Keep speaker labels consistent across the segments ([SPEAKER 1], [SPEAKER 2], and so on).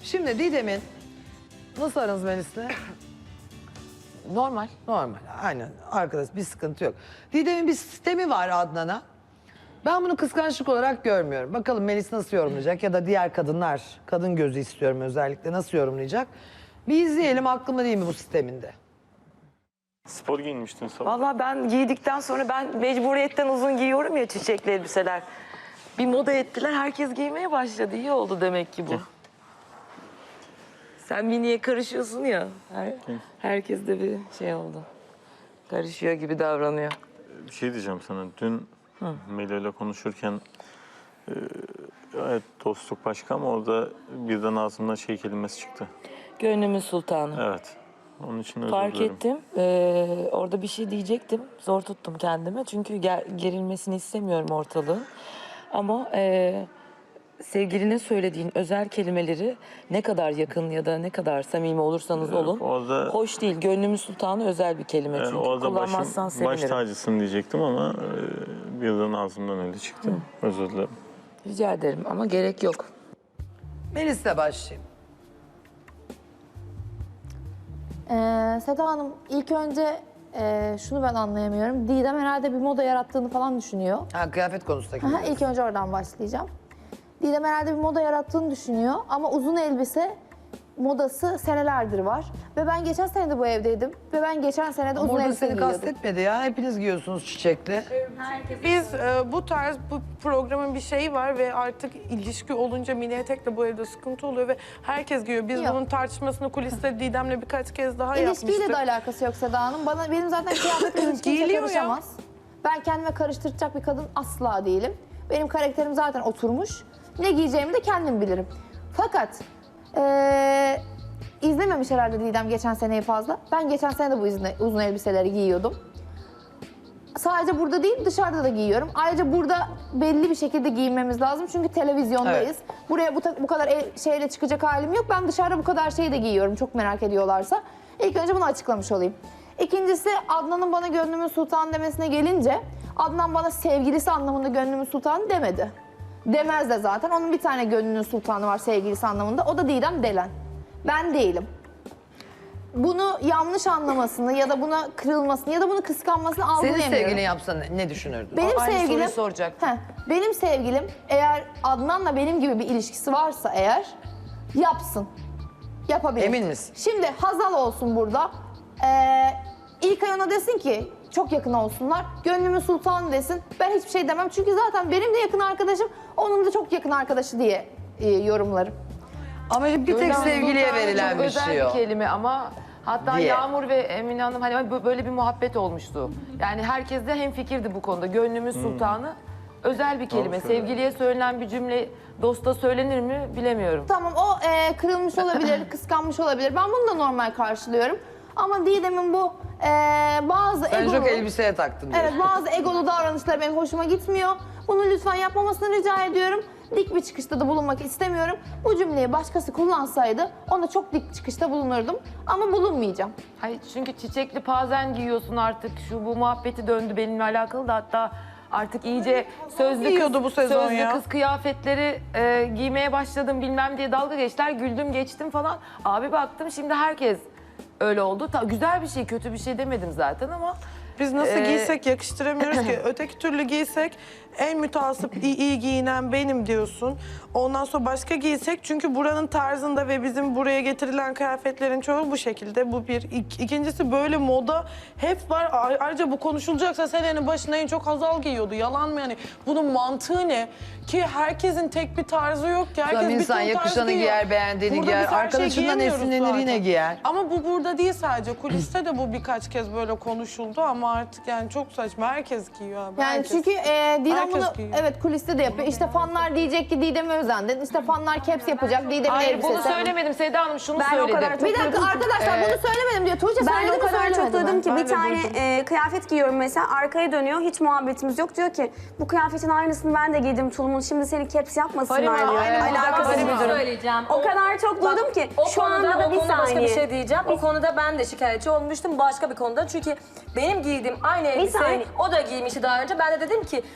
[SPEAKER 1] Şimdi Didem'in nasıl aranız Melis'le?
[SPEAKER 2] Normal.
[SPEAKER 1] Normal, aynen. Arkadaş bir sıkıntı yok. Didem'in bir sistemi var Adnan'a. Ben bunu kıskançlık olarak görmüyorum. Bakalım Melis nasıl yorumlayacak ya da diğer kadınlar, kadın gözü istiyorum özellikle nasıl yorumlayacak. Bir izleyelim aklımda değil mi bu sisteminde?
[SPEAKER 3] Spor giyinmiştin sabah.
[SPEAKER 2] Vallahi ben giydikten sonra ben mecburiyetten uzun giyiyorum ya çiçekli elbiseler. Bir moda ettiler, herkes giymeye başladı. İyi oldu demek ki bu. Sen miniye karışıyorsun ya. Herkes de bir şey oldu. Karışıyor gibi davranıyor.
[SPEAKER 3] Bir şey diyeceğim sana. Dün Melih ile konuşurken evet dostluk başka ama orada birden ağzımdan şey kelimesi çıktı.
[SPEAKER 2] Gönlümün sultanı.
[SPEAKER 3] Evet. Onun için özür
[SPEAKER 2] Fark
[SPEAKER 3] dilerim.
[SPEAKER 2] ettim. Orada bir şey diyecektim. Zor tuttum kendimi. Çünkü gerilmesini istemiyorum ortalığın. Ama sevgiline söylediğin özel kelimeleri ne kadar yakın ya da ne kadar samimi olursanız olun.
[SPEAKER 3] Orada,
[SPEAKER 2] Hoş değil. Gönlümün sultanı özel bir kelime çünkü.
[SPEAKER 3] orada
[SPEAKER 2] Kullanmazsan
[SPEAKER 3] baş
[SPEAKER 2] sevinirim.
[SPEAKER 3] tacısın diyecektim ama birden ağzımdan öyle çıktı. Özür dilerim.
[SPEAKER 2] Rica ederim ama gerek yok.
[SPEAKER 1] Melis'le başlayayım.
[SPEAKER 4] Seda Hanım ilk önce şunu ben anlayamıyorum. Didem herhalde bir moda yarattığını falan düşünüyor.
[SPEAKER 1] Ha, kıyafet konusundaki.
[SPEAKER 4] Aha, ilk önce oradan başlayacağım. Didem herhalde bir moda yarattığını düşünüyor ama uzun elbise modası senelerdir var. Ve ben geçen sene de bu evdeydim ve ben geçen sene de uzun
[SPEAKER 1] Orada
[SPEAKER 4] elbise
[SPEAKER 1] seni
[SPEAKER 4] giyiyordum.
[SPEAKER 1] kastetmedi ya. Hepiniz giyiyorsunuz çiçekli.
[SPEAKER 5] Biz bu tarz bu programın bir şeyi var ve artık ilişki olunca mini etekle bu evde sıkıntı oluyor ve herkes giyiyor. Biz
[SPEAKER 4] Yok.
[SPEAKER 5] bunun tartışmasını kuliste Didem'le birkaç kez daha
[SPEAKER 4] İlişkiyle
[SPEAKER 5] yapmıştık.
[SPEAKER 4] de alakası yok Seda Hanım. Benim zaten kıyafetle hiç kimse
[SPEAKER 5] Giyiliyor ya.
[SPEAKER 4] karışamaz. Ben kendime karıştıracak bir kadın asla değilim. Benim karakterim zaten oturmuş. Ne giyeceğimi de kendim bilirim. Fakat izlememiş herhalde Didem geçen seneyi fazla. Ben geçen sene de bu uzun elbiseleri giyiyordum. Sadece burada değil dışarıda da giyiyorum. Ayrıca burada belli bir şekilde giyinmemiz lazım çünkü televizyondayız. Buraya bu kadar şeyle çıkacak halim yok. Ben dışarıda bu kadar şeyi de giyiyorum çok merak ediyorlarsa. İlk önce bunu açıklamış olayım. İkincisi Adnan'ın bana gönlümün sultanı demesine gelince Adnan bana sevgilisi anlamında gönlümün sultanı demedi. Demez de zaten. Onun bir tane gönlünün sultanı var sevgilisi anlamında. O da Didem Delen. Ben değilim. Bunu yanlış anlamasını ya da buna kırılmasını ya da bunu kıskanmasını
[SPEAKER 1] Senin
[SPEAKER 4] algılayamıyorum.
[SPEAKER 1] sevgilin yapsa ne düşünürdün?
[SPEAKER 4] Benim
[SPEAKER 2] Aynı
[SPEAKER 4] sevgilim,
[SPEAKER 2] soruyu soracaktım.
[SPEAKER 4] benim sevgilim eğer Adnan'la benim gibi bir ilişkisi varsa eğer yapsın. Yapabilir.
[SPEAKER 1] Emin misin?
[SPEAKER 4] Şimdi Hazal olsun burada. İlkay ona desin ki çok yakın olsunlar. Gönlümün sultanı desin. Ben hiçbir şey demem. Çünkü zaten benim de yakın arkadaşım, onun da çok yakın arkadaşı diye yorumlarım.
[SPEAKER 1] Ama bir tek
[SPEAKER 2] Gönlümün
[SPEAKER 1] sevgiliye
[SPEAKER 2] sultanı
[SPEAKER 1] verilen
[SPEAKER 2] çok
[SPEAKER 1] bir
[SPEAKER 2] özel
[SPEAKER 1] şey o.
[SPEAKER 2] bir kelime ama hatta
[SPEAKER 1] Diye.
[SPEAKER 2] Yağmur ve Emine Hanım hani böyle bir muhabbet olmuştu. Yani herkes de hemfikirdi bu konuda. Gönlümün sultanı özel bir kelime.
[SPEAKER 3] söylüyor.
[SPEAKER 2] Sevgiliye söylenen bir cümle dosta söylenir mi bilemiyorum.
[SPEAKER 4] Tamam o kırılmış olabilir, kıskanmış olabilir. Ben bunu da normal karşılıyorum. Ama Didem'in bu bazı
[SPEAKER 1] Sen
[SPEAKER 4] egolu...
[SPEAKER 1] çok elbiseye taktın diyor.
[SPEAKER 4] Evet bazı egolu davranışlar benim hoşuma gitmiyor. Bunu lütfen yapmamasını rica ediyorum. Dik bir çıkışta da bulunmak istemiyorum. Bu cümleyi başkası kullansaydı ona çok dik çıkışta bulunurdum. Ama bulunmayacağım.
[SPEAKER 2] Hayır çünkü çiçekli pazen giyiyorsun artık. Bu muhabbeti döndü benimle alakalı da hatta artık iyice
[SPEAKER 5] Giyiyordu bu sezon
[SPEAKER 2] sözlü
[SPEAKER 5] ya.
[SPEAKER 2] kız kıyafetleri giymeye başladım bilmem diye dalga geçtiler. Güldüm geçtim falan. Abi baktım şimdi herkes öyle oldu. Güzel bir şey kötü bir şey demedim zaten ama.
[SPEAKER 5] Biz nasıl giysek yakıştıramıyoruz ki. Öteki türlü giysek en mütasip iyi giyinen benim diyorsun. Ondan sonra başka giysek çünkü buranın tarzında ve bizim buraya getirilen kıyafetlerin çoğu bu şekilde. Bu bir. İkincisi böyle moda hep var. Ayrıca bu konuşulacaksa senenin başında en çok Hazal giyiyordu. Yalan mı yani? Bunun mantığı ne? Ki herkesin tek bir tarzı yok ki. Herkes
[SPEAKER 1] Tabii
[SPEAKER 5] bir
[SPEAKER 1] insan
[SPEAKER 5] ton tarz
[SPEAKER 1] yakışanı
[SPEAKER 5] giyiyor.
[SPEAKER 1] giyer, beğendiğini
[SPEAKER 5] Burada
[SPEAKER 1] giyer.
[SPEAKER 5] biz her şeyi
[SPEAKER 1] Arkadaşından
[SPEAKER 5] giyemiyoruz
[SPEAKER 1] esinlenir
[SPEAKER 5] zaten.
[SPEAKER 1] yine giyer.
[SPEAKER 5] Ama bu burada değil sadece. Kuliste de bu birkaç kez böyle konuşuldu ama artık yani çok saçma. Herkes giyiyor abi.
[SPEAKER 4] Yani
[SPEAKER 5] herkes.
[SPEAKER 4] çünkü Didem
[SPEAKER 5] Herkes
[SPEAKER 4] bunu
[SPEAKER 5] giyiyor.
[SPEAKER 4] evet kuliste de yapıyor. İşte fanlar diyecek ki Didem'e özendin. İşte fanlar caps yapacak Didem'in
[SPEAKER 2] Hayır
[SPEAKER 4] elbisesi.
[SPEAKER 2] bunu söylemedim Seda Hanım şunu
[SPEAKER 6] Ben o
[SPEAKER 2] söyledim.
[SPEAKER 6] kadar çok
[SPEAKER 4] Bir dakika arkadaşlar bunu söylemedim diyor. Tuğçe
[SPEAKER 6] Ben
[SPEAKER 4] söyledi
[SPEAKER 6] o
[SPEAKER 4] mi
[SPEAKER 6] kadar çok
[SPEAKER 4] söylemedi
[SPEAKER 6] duydum
[SPEAKER 4] mi?
[SPEAKER 6] ki
[SPEAKER 5] Ben
[SPEAKER 6] bir
[SPEAKER 5] de
[SPEAKER 6] tane
[SPEAKER 5] duydum.
[SPEAKER 6] kıyafet giyiyorum mesela arkaya dönüyor hiç muhabbetimiz yok diyor ki bu kıyafetin aynısını ben de giydim tulumun şimdi seni caps yapmasınlar
[SPEAKER 2] Farima,
[SPEAKER 6] diyor.
[SPEAKER 2] aynen,
[SPEAKER 6] Alakası
[SPEAKER 2] Farima
[SPEAKER 6] yok.
[SPEAKER 7] söyleyeceğim.
[SPEAKER 6] O kadar çok duydum ki
[SPEAKER 7] O
[SPEAKER 6] şu
[SPEAKER 7] konuda,
[SPEAKER 6] anda da bir
[SPEAKER 7] o konuda başka bir
[SPEAKER 6] saniye.
[SPEAKER 7] şey diyeceğim. O konuda ben de şikayetçi olmuştum başka bir konuda. Çünkü benim giydiğim aynı elbise
[SPEAKER 6] saniye.
[SPEAKER 7] o da giymişti daha önce. Ben de dedim ki
[SPEAKER 5] Ama
[SPEAKER 7] gördüğüm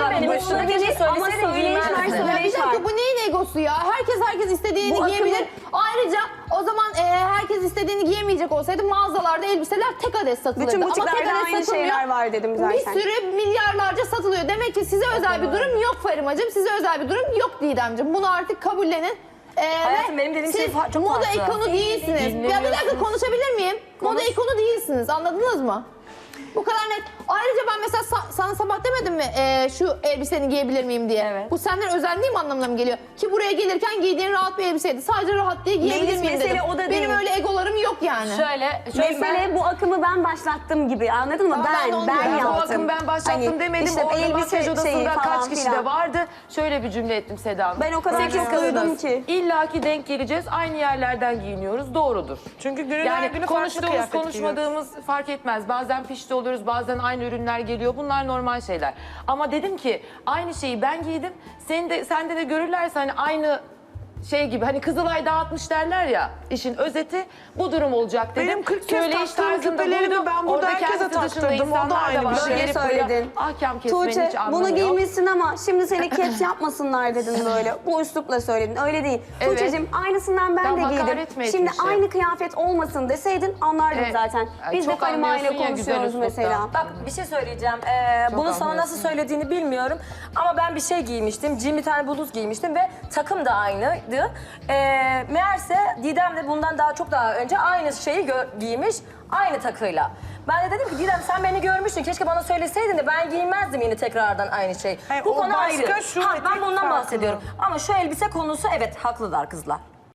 [SPEAKER 7] demedim.
[SPEAKER 6] Bu
[SPEAKER 7] Üstüne
[SPEAKER 6] olabilir
[SPEAKER 7] keşke
[SPEAKER 6] ama
[SPEAKER 7] söyleseydin,
[SPEAKER 6] söyleyiş var,
[SPEAKER 7] giymezdin.
[SPEAKER 4] Ya bir
[SPEAKER 6] söyleyiş var.
[SPEAKER 4] dakika bu neyin egosu ya? Herkes istediğini
[SPEAKER 6] Bu
[SPEAKER 4] giyebilir.
[SPEAKER 6] akımı-
[SPEAKER 4] Ayrıca o zaman herkes istediğini giyemeyecek olsaydı mağazalarda elbiseler tek adet satılırdı.
[SPEAKER 6] Bütün
[SPEAKER 4] Ama tek
[SPEAKER 6] butiklerde
[SPEAKER 4] adet
[SPEAKER 6] aynı
[SPEAKER 4] satılmıyor.
[SPEAKER 6] şeyler var dedim zaten.
[SPEAKER 4] Bir sürü milyarlarca satılıyor. Demek ki size özel bir durum yok Farimacığım. Size özel bir durum yok Didemciğim. Bunu artık kabullenin.
[SPEAKER 7] Hayatım,
[SPEAKER 4] Ve
[SPEAKER 7] benim dediğim şey
[SPEAKER 4] siz
[SPEAKER 7] çok
[SPEAKER 4] moda
[SPEAKER 7] farklı.
[SPEAKER 4] ikonu değilsiniz. Ya bir dakika konuşabilir miyim? Moda ikonu değilsiniz. Anladınız mı? Bu kadar net. Ayrıca ben mesela sana sabah demedim mi şu elbiseni giyebilir miyim diye.
[SPEAKER 7] Evet.
[SPEAKER 4] Bu senden özendiğim anlamına mı geliyor? Ki buraya gelirken giydiğin rahat bir elbiseydi. Sadece rahat diye giyebilir
[SPEAKER 6] Melis,
[SPEAKER 4] miyim
[SPEAKER 6] mesele
[SPEAKER 4] dedim.
[SPEAKER 6] o da
[SPEAKER 4] Benim
[SPEAKER 6] değil.
[SPEAKER 4] öyle egolarım yok yani.
[SPEAKER 7] Şöyle
[SPEAKER 6] Mesele bu akımı ben başlattım gibi, anladın mı?
[SPEAKER 4] Tamam, ben de onu
[SPEAKER 6] Ben
[SPEAKER 4] diyorum.
[SPEAKER 6] yaptım.
[SPEAKER 8] Bu akım ben başlattım
[SPEAKER 6] Hani
[SPEAKER 8] demedim.
[SPEAKER 6] işte
[SPEAKER 8] Orada
[SPEAKER 6] elbise
[SPEAKER 8] makyaj
[SPEAKER 6] şeyi
[SPEAKER 8] odasında
[SPEAKER 6] falan
[SPEAKER 8] kaç kişi
[SPEAKER 6] filan.
[SPEAKER 8] de vardı. Şöyle bir cümle ettim Seda Hanım.
[SPEAKER 6] Ben o kadar
[SPEAKER 8] 8
[SPEAKER 6] çok duydum
[SPEAKER 8] kadınız.
[SPEAKER 6] ki.
[SPEAKER 8] İlla ki denk geleceğiz. Aynı yerlerden giyiniyoruz. Doğrudur.
[SPEAKER 5] Çünkü günün her
[SPEAKER 8] Yani
[SPEAKER 5] günü farklı
[SPEAKER 8] konuştuğumuz
[SPEAKER 5] kıyafet giyiyoruz.
[SPEAKER 8] konuşmadığımız fark etmez. Bazen pişti oluyoruz, bazen aynı ürünler geliyor. Bunlar normal şeyler. Ama dedim ki aynı şeyi ben giydim. Sende de görürlerse hani aynı şey gibi hani Kızılay dağıtmış derler ya, işin özeti bu durum olacak dedim.
[SPEAKER 5] Benim 40 kez
[SPEAKER 8] Söyleyiş
[SPEAKER 5] taktığım
[SPEAKER 8] tarzında
[SPEAKER 5] küpelerimi
[SPEAKER 8] buldum.
[SPEAKER 5] ben burada
[SPEAKER 8] Orada
[SPEAKER 5] herkese
[SPEAKER 8] kendisi dışında
[SPEAKER 5] taktırdım. O da
[SPEAKER 8] insanlar
[SPEAKER 5] aynı bir
[SPEAKER 8] var.
[SPEAKER 5] şey.
[SPEAKER 8] Gelip buraya
[SPEAKER 6] Söyledin.
[SPEAKER 8] ahkam kesmenin
[SPEAKER 6] Tuğçe
[SPEAKER 8] hiç anlamı
[SPEAKER 6] bunu
[SPEAKER 8] yok.
[SPEAKER 6] giymişsin ama şimdi seni caps yapmasınlar dedin böyle. Bu üslupla söyledin. Öyle değil.
[SPEAKER 8] Evet.
[SPEAKER 6] Tuğçe'cim aynısından ben
[SPEAKER 8] Tam
[SPEAKER 6] de
[SPEAKER 8] hakaret mi
[SPEAKER 6] giydim. Şimdi
[SPEAKER 8] etmişim?
[SPEAKER 6] aynı kıyafet olmasın deseydin anlardım
[SPEAKER 8] Evet.
[SPEAKER 6] zaten.
[SPEAKER 8] Ay,
[SPEAKER 6] Biz de
[SPEAKER 8] çok
[SPEAKER 6] Farima ile
[SPEAKER 8] anlıyorsun ya güzel
[SPEAKER 6] konuşuyoruz
[SPEAKER 8] üsluptan.
[SPEAKER 6] mesela.
[SPEAKER 7] Bak bir şey söyleyeceğim. Bunu sana nasıl söylediğini bilmiyorum. Ama ben bir şey giymiştim. Jean bir tane bluz giymiştim ve takım da aynıydı. Meğerse Didem de bundan çok daha önce aynı şeyi giymiş. Aynı takıyla. Ben de dedim ki Didem sen beni görmüştün. Keşke bana söyleseydin de ben giymezdim yine tekrardan aynı şey.
[SPEAKER 5] Hayır,
[SPEAKER 7] Bu
[SPEAKER 5] o
[SPEAKER 7] konu
[SPEAKER 5] başka,
[SPEAKER 7] ayrı.
[SPEAKER 5] şu
[SPEAKER 7] Ben
[SPEAKER 5] etek
[SPEAKER 7] bundan
[SPEAKER 5] farklı.
[SPEAKER 7] bahsediyorum. Ama şu elbise konusu evet haklılar kızlar.